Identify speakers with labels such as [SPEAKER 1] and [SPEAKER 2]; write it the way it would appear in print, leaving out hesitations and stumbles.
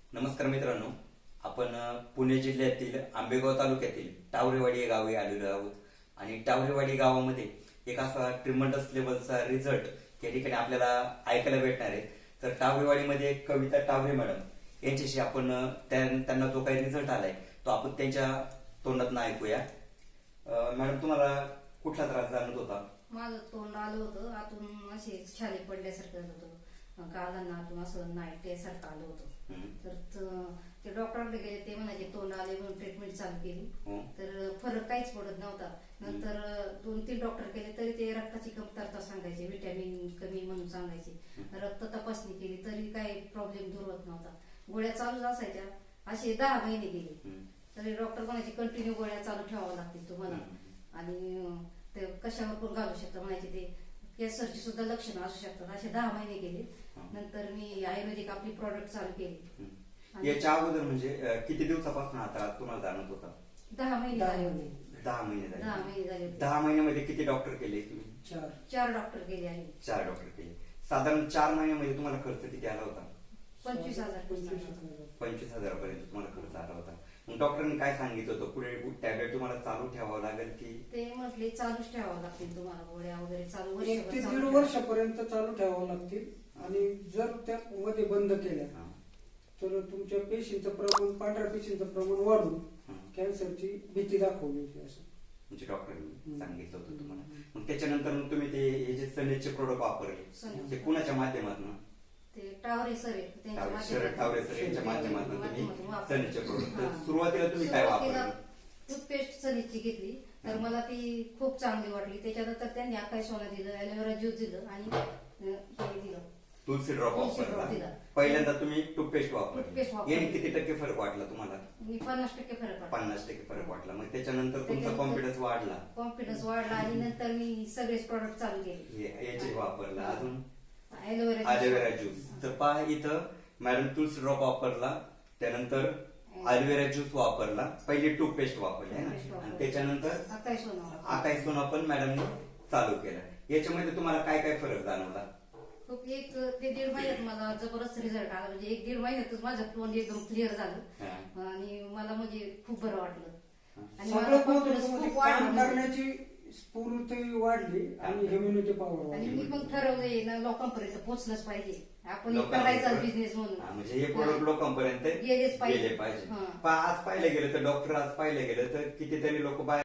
[SPEAKER 1] नमस्कार मित्रांनो, आपण पुणे जिल्ह्यातील आंबेगाव तालुक्यातील टावरेवाडी या गावी आलेलो आहोत. आणि टावरेवाडी गावामध्ये एक असा ट्रिमंडस लेवलचा रिझल्ट या ठिकाणी आपल्याला ऐकायला भेटणार आहे. तर टावरेवाडीमध्ये कविता टावरे मॅडम यांच्याशी आपण त्यांना जो काही रिझल्ट आलाय तो आपण त्यांच्या तोंडातून ऐकूया. मॅडम, तुम्हाला कुठला त्रास जाणवत होता?
[SPEAKER 2] माझं तोंड आलं होतं, आतून असे छाले पडल्यासारखं होतं, गालांना आतून असं नाईटसारखं आलं होतं. तर ते डॉक्टरकडे गेले, ते म्हणायचे तोंड आले म्हणून ट्रीटमेंट चालू केली. तर फरक काहीच पडत नव्हता. नंतर 2-3 डॉक्टर केले तरी ते रक्ताची कमतरता सांगायचे, व्हिटॅमिन कमी म्हणून सांगायचे. रक्त तपासणी केली तरी काही प्रॉब्लेम दूर होत नव्हता. गोळ्या चालूच असायच्या. असे 10 महिने गेले तरी डॉक्टर म्हणायचे कंटिन्यू गोळ्या चालू ठेवाव्या लागतील तुम्हाला, आणि ते कशावर पण घालू शकता म्हणायचे. ते कॅन्सरची सुद्धा लक्षणं असू शकतात. असे 10 महिने गेले. नंतर मी आयुर्वेदिक आपली प्रॉडक्ट चालू केली.
[SPEAKER 1] याच्या अगोदर म्हणजे किती दिवसापासून आता तुम्हाला जाणवत होता?
[SPEAKER 2] 10 महिने झाले होते.
[SPEAKER 1] 10 महिने झाले.
[SPEAKER 2] 10 महिने झाले होते.
[SPEAKER 1] 10 महिन्यामध्ये किती डॉक्टर केले तुम्ही?
[SPEAKER 2] 4 डॉक्टर केले आहे.
[SPEAKER 1] 4 डॉक्टर केले. साधारण 4 महिन्यामध्ये तुम्हाला खर्च किती आला होता?
[SPEAKER 2] 25,000.
[SPEAKER 1] 25,000 पर्यंत तुम्हाला खर्च आला होता. मग डॉक्टरांनी काय सांगितलं होतं? पुढे टॅबलेट तुम्हाला चालू ठेवावं लागेल की?
[SPEAKER 2] ते म्हटले चालूच ठेवावं लागतील तुम्हाला, गोळ्या वगैरे चालू
[SPEAKER 3] 1 ते 1.5 वर्षापर्यंत चालू ठेवावं लागतील. आणि जर त्यामध्ये बंद केल्या तर तुमच्या पेशींचं प्रमाण, पांढऱ्या पेशींचं प्रमाण वाढून कॅन्सरची भीती दाखवली असं
[SPEAKER 1] म्हणजे डॉक्टरांनी सांगितलं होतं तुम्हाला. मग त्याच्यानंतर मग तुम्ही ते हे जे सनेजचे प्रोडक्ट वापरले ते कुणाच्या माध्यमातून?
[SPEAKER 2] ते टावरे सर आहेत, त्यांच्या
[SPEAKER 1] टावरे सर यांच्या माध्यमातून तुम्ही
[SPEAKER 2] वापरले.
[SPEAKER 1] सनेजचे प्रोडक्ट. सुरुवातीला तुम्ही काय वापरलं?
[SPEAKER 2] टूथपेस्ट सनीची घेतली तर मला ती खूप चांगली वाटली. त्याच्यानंतर त्यांनी आकाश सोना दिलं, ॲलोवेरा ज्यूस दिलं आणि हे दिलं,
[SPEAKER 1] तुलसी ड्रॉप
[SPEAKER 2] तुलसी ड्रॉप
[SPEAKER 1] वापरला.
[SPEAKER 2] दिला.
[SPEAKER 1] पहिल्यांदा तुम्ही टूथपेस्ट वापरली.
[SPEAKER 2] टूथपेस्ट वापरली.
[SPEAKER 1] याने किती टक्के फरक वाटला तुम्हाला?
[SPEAKER 2] मी 50% फरक वाटला.
[SPEAKER 1] 50% फरक वाटला. मग त्याच्यानंतर तुमचा कॉन्फिडन्स वाढला.
[SPEAKER 2] कॉन्फिडन्स वाढला आणि नंतर मी सगळेच प्रॉडक्ट चालू केले.
[SPEAKER 1] याचे वापरला. अजून
[SPEAKER 2] ॲलोवेरा
[SPEAKER 1] ज्यूस. तर पहा, इथं मॅडम तुलसी ड्रॉप वापरला, त्यानंतर ॲलोवेरा ज्यूस वापरला, पहिले टूथपेस्ट वापरली आहे ना, आणि त्याच्यानंतर आकाश सोना पण मॅडमने चालू केला. याच्यामध्ये तुम्हाला काय काय फरक जाणवला?
[SPEAKER 2] खूप. एक ते 1.5 महिन्यात मला जबरदस्त रिझल्ट आला. म्हणजे 1-1.5 महिन्यातच माझं तोंड एकदम क्लिअर झालं आणि मला म्हणजे खूप बरं वाटलं. आणि मला
[SPEAKER 3] सगळ्यात
[SPEAKER 2] confidence
[SPEAKER 3] महत्त्वाचं
[SPEAKER 2] खूप
[SPEAKER 3] काम
[SPEAKER 2] वाढला.
[SPEAKER 3] करण्याची स्फूर्ती वाढली आणि इम्युनिटी पॉवर
[SPEAKER 2] आणि
[SPEAKER 3] वाढली.
[SPEAKER 2] मी पण ठरवलंय ना, लोकांपर्यंत पोहोचलंच पाहिजे. आपण
[SPEAKER 1] लोकांपर्यंत
[SPEAKER 2] करायचा बिझनेस म्हणून.
[SPEAKER 1] म्हणजे हे प्रोडक्ट लोकांपर्यंत
[SPEAKER 2] गेलेच पाहिजे.
[SPEAKER 1] गेले पाहिजे. आज पाहिलं गेलं तर डॉक्टर, आज पाहिलं गेलं तर कितीतरी लोक बाहेर